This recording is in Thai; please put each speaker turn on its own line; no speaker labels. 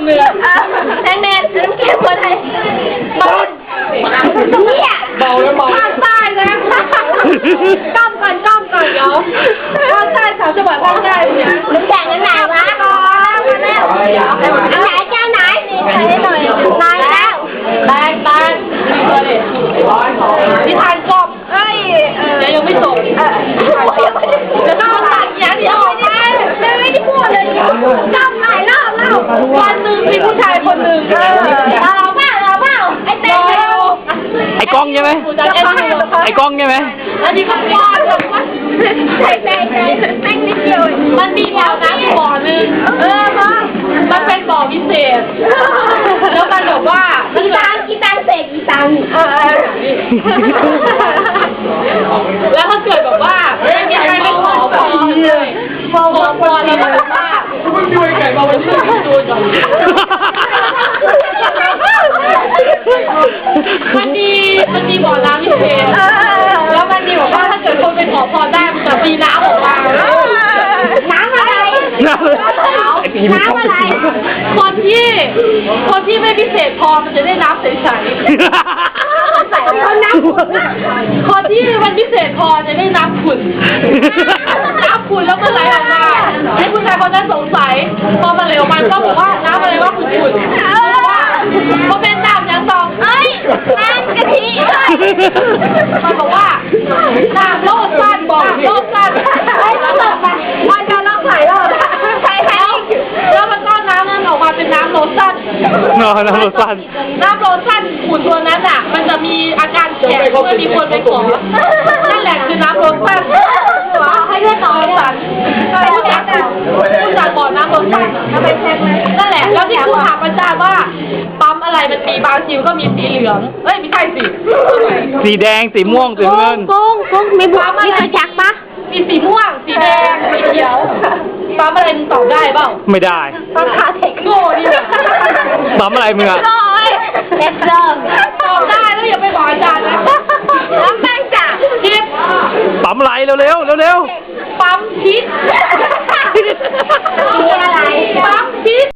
เรือแดงแดงน้ำเค็มคนไทยบอลเนี่ยเบาแล้วเบาภาคใต้นะก้มก่อนเดี๋ยวภาคใต้สาวจังหวัดภาคใต้เนี่ยน้ำแดงอันไหนวะก่อนอันไหนแก้วไหนนี่ใส่หน่อยนายแล้วแบงนิทานกบเอ้ยยังไม่จบจะต้องตัดอย่างเดียวไม่ได้พูดเลยจำหลายรอบแล้ววันหนึ่งมีผู้ชายคนหนึ่งเราเปล่าไอ้เต้
ไอ้กล้องใช่ไหมไอ้กล้องใช่ไหม
อันนี้ก็ป้อนแบบว่าใส่แป้งนิดเดียวมันมีบ่อน้ำบ่อหนึ่งมันเป็นบ่อพิเศษแล้วมันบอกว่ากีตังเสกกีตังแล้วมันเกิดแบบว่าไม่มีใครไปขอพรเลยขอพรแล้วก็แบบว่าคุณช่วยไก่มาวันนี้ดูจังมันมีบ่อน้ำพิเศษแล้วมันมีบอกว่าถ้าเกิดคนไปขอพรได้มันจะมีน้ำออกมาน้ำอะไรน้ำอะไรคนที่ไม่พิเศษพอมันจะได้น้ำใสๆคนที่มันพิเศษพอจะได้น้ำขุ่นแล้วมันไหลออกมาให้ผู้ชายคนนั้นสงสัยพอมันไหลออกมาก็บอกว่าน้ำอะไรว่าขุ่นเพราะเป็นน้ำอย่างสองน้ำกะทิมันบอกว่าน้ำโลดสั้นแล้วแบบมันจะลองใส่แล้วแล้วมันก็น้ำนั้นออกมาเป็นน้ำโลชั่น
น้ำโลชั่น
ขุ่นตัวนั้นอ่ะมันจะมีอาการแข็งเมื่อมีคนไปขอนั่นแหละคือน้ำโลชั่นให้เลือดต่อสันผู้จัดบ่อน้ำโลชั่นนั่นแหละแล้วที่ผู้ถามอาจารย์ว่าปั๊มอะไรมันมีบางทีก็มีสีเหลืองไม่ใช่
สีแดงสีม่วงสีเงิน
กุ้งมีปั๊มอะไรจักปะมีสีม่วงสีแดงสีเขียวปั๊มอะไรมึงตอบได้เปล่า
ไม่ได้
ปั๊มคาเทคโง่ดิ
ปั๊มอะไรมึงอะ
เอสเซอร์ตอบได้แล้วอย่าไปบอกอาจารย์นะแล้วแม่งจ่าคิด
ปั๊มอะไรเร็ว
ปั๊มคิดมีอะไรปั๊มคิด